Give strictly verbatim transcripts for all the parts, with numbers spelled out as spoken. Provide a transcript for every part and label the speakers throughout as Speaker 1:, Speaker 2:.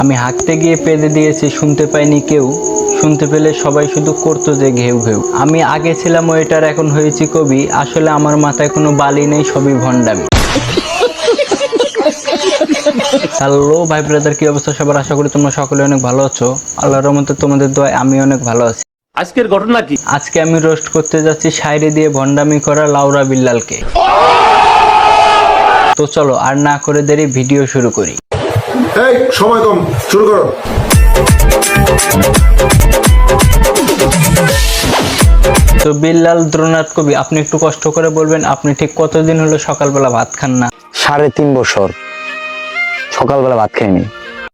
Speaker 1: আমি হাঁকতে গিয়ে পেঁদে দিয়েছি, শুনতে পাইনি কেউ, শুনতে পেলে সবাই শুধু করতো যে ঘেউ ঘেউ। আমি আগে ছিলাম ওয়েটার, এখন হয়েছি কবি, আসলে আমার মাথায় কোনো বালি নেই, সবই ভণ্ডামি। হ্যালো ভাই ব্রাদার, কি অবস্থা সবার? আশা করি তোমরা সকলে অনেক ভালো আছো। আল্লাহর রহমতে তোমাদের দোয়ায় আমি অনেক ভালো আছি।
Speaker 2: আজকের ঘটনা কি?
Speaker 1: আজকে আমি রোস্ট করতে যাচ্ছি শায়রি দিয়ে ভণ্ডামি করা লাউরা বিল্লালকে। তো চলো আর না করে দেরি, ভিডিও শুরু করি।
Speaker 3: এই সময় কম, শুরু করো।
Speaker 1: তো বিল্লাল দ্রোনাথ কবি, আপনি একটু কষ্ট করে বলবেন, আপনি ঠিক কতদিন হলো সকালবেলা ভাত খান না?
Speaker 4: সাড়ে তিন বছর সকালবেলা ভাত খাইনি।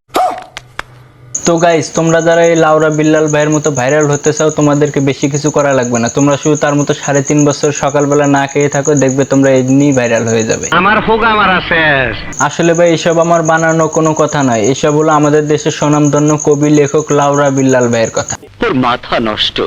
Speaker 1: তো গাইস, তোমরা যারা এই লাউরা বিল্লাল ভাইয়ের মতো ভাইরাল হতে চাও, তোমাদেরকে বেশি কিছু করা লাগবে না। তোমরা শুধু তার মতো সাড়ে তিন বছর সকালবেলা না খেয়ে থাকো, দেখবে তোমরা এমনি ভাইরাল হয়ে যাবে।
Speaker 2: আমার ফোকা মারা শেষ।
Speaker 1: আসলে ভাই এসব আমার বানানো কোনো কথা নয়, এসব হলো আমাদের দেশের স্বনামধন্য কবি লেখক লাউরা বিল্লাল ভাইয়ের কথা।
Speaker 2: তোর মাথা নষ্ট।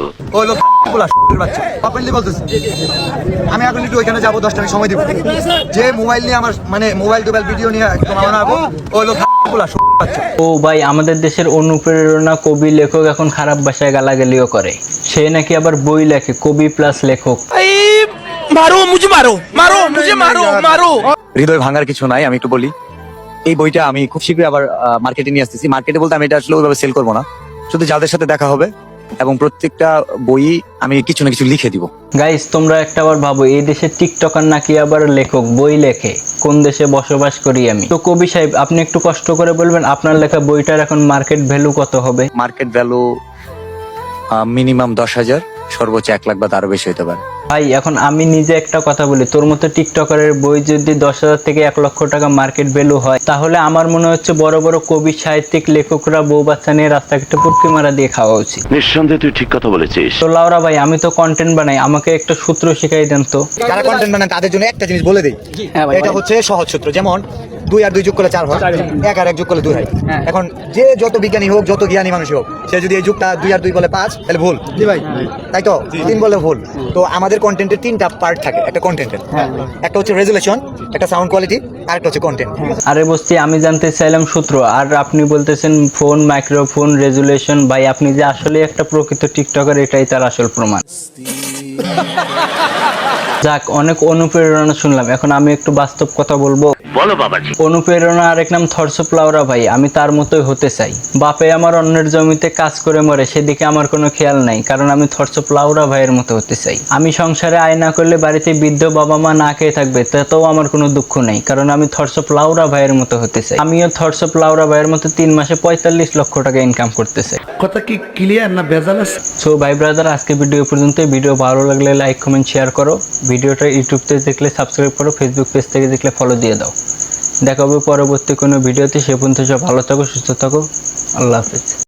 Speaker 5: আমি এখন একটু ওইখানে যাবো, দশটা সময় দিব। যে মোবাইল নিয়ে আমার মানে মোবাইল টোবাইল ভিডিও নিয়ে একদম আমার আবো ওই লোক
Speaker 1: ও ভাই, আমাদের দেশের অনুপ্রেরণা কবি লেখক এখন খারাপ ভাষায় গালাগালিও করে। সে নাকি আবার বই লেখে, কবি প্লাস লেখক।
Speaker 6: মারো মুঝে মারো মারো মুঝে মারো মারো।
Speaker 4: হৃদয় ভাঙার কিছু নাই, আমি একটু বলি। এই বইটা আমি খুব শীঘ্রই আবার মার্কেটে নিয়ে আসতেছি। মার্কেটে বলতে আমি এটা আসলে ওইভাবে সেল করবো না, শুধু যাদের সাথে দেখা হবে এবং প্রত্যেকটা বই আমি কিছু না কিছু লিখে দিব।
Speaker 1: গাইস, তোমরা একটা আবার ভাবো, এই দেশের টিকটকার নাকি আবার লেখক, বই লেখে? কোন দেশে বসবাস করি আমি? তো কবি সাহেব, আপনি একটু কষ্ট করে বলবেন, আপনার লেখা বইটার এখন মার্কেট ভ্যালু কত হবে?
Speaker 4: মার্কেট ভ্যালু মিনিমাম দশ হাজার, সর্বোচ্চ এক লাখ বা তারও বেশি হতে পারে।
Speaker 1: ভাই এখন আমি নিজে একটা কথা বলি, তোর মতো টিকটকারের বই যদি দশ হাজার থেকে এক লক্ষ টাকা মার্কেট ভ্যালু হয়, তাহলে আমার মনে হচ্ছে বড় বড় কবি সাহিত্যিক লেখকরা বউ বাচ্চা নিয়ে রাস্তাঘাটে পুটকি মারা দিয়ে খাওয়া উচিত।
Speaker 2: নিঃসন্দেহে তুই ঠিক কথা বলেছিস।
Speaker 1: তো লাউরা ভাই, আমি তো কন্টেন্ট বানাই, আমাকে একটা সূত্র শিখাই দেন তো।
Speaker 5: যারা কন্টেন্ট বানান তাদের জন্য একটা জিনিস বলে দেই, এটা হচ্ছে সহজ সূত্র। যেমন দুই আর দুই যোগ করলে চার হয়, এক আর এক যোগ করলে দুই হয়। এখন যে যত বিজ্ঞানী হোক, যত জ্ঞানী মানুষ হোক, সে যদি এই যুগটা দুই আর দুই বলে পাঁচ, তাহলে ভুল। জি ভাই, তাই তো? তিন বলে ভুল। তো আমাদের কন্টেন্টের তিনটা পার্ট থাকে একটা কন্টেন্টের। একটা হচ্ছে রেজুলেশন, একটা সাউন্ড কোয়ালিটি, আর একটা হচ্ছে কন্টেন্ট।
Speaker 1: আরে বস্তি, আমি জানতে চাইলাম সূত্র, আর আপনি বলতেছেন ফোন, মাইক্রোফোন, রেজুলেশন। ভাই আপনি যে আসলে একটা প্রকৃত টিকটকার, এটাই তার আসল প্রমাণ। যাক, অনেক অনুপ্রেরণা শুনলাম, এখন আমি একটু বাস্তব কথা বলবো।
Speaker 2: বলো বাবাজি।
Speaker 1: অনুপ্রেরণা আরেক নাম থরসপ লাউরা ভাই, আমি তার মতোই হতে চাই। বাপে আমার অন্যের জমিতে কাজ করে মরে, সেদিকে আমার কোনো খেয়াল নাই, কারণ আমি থরসপ লাউরা ভাইয়ের মতো হতে চাই। আমি সংসারে আয় না করলে বাড়িতে বৃদ্ধ বাবা মা না খেয়ে থাকবে, তাতেও আমার কোনো দুঃখ নেই, কারণ আমি থরসপ লাউরা ভাইয়ের মতো হতে চাই। আমিও থরসপ লাউরা ভাইয়ের মতো তিন মাসে পঁয়তাল্লিশ লক্ষ টাকা ইনকাম করতে চাই।
Speaker 6: কথা কি ক্লিয়ার না ভেজাল আছে?
Speaker 1: সো ভাই ব্রাদার, আজকে ভিডিও পর্যন্ত। ভিডিও ভালো লাগলে লাইক কমেন্ট শেয়ার করো। ভিডিওটা ইউটিউব থেকে দেখলে সাবস্ক্রাইব করো, ফেসবুক পেজ থেকে দেখলে ফলো দিয়ে দাও। দেখা হবে পরবর্তী কোনো ভিডিওতে। সে পর্যন্ত সব ভালো থাকো, সুস্থ থাকো। আল্লাহ হাফেজ।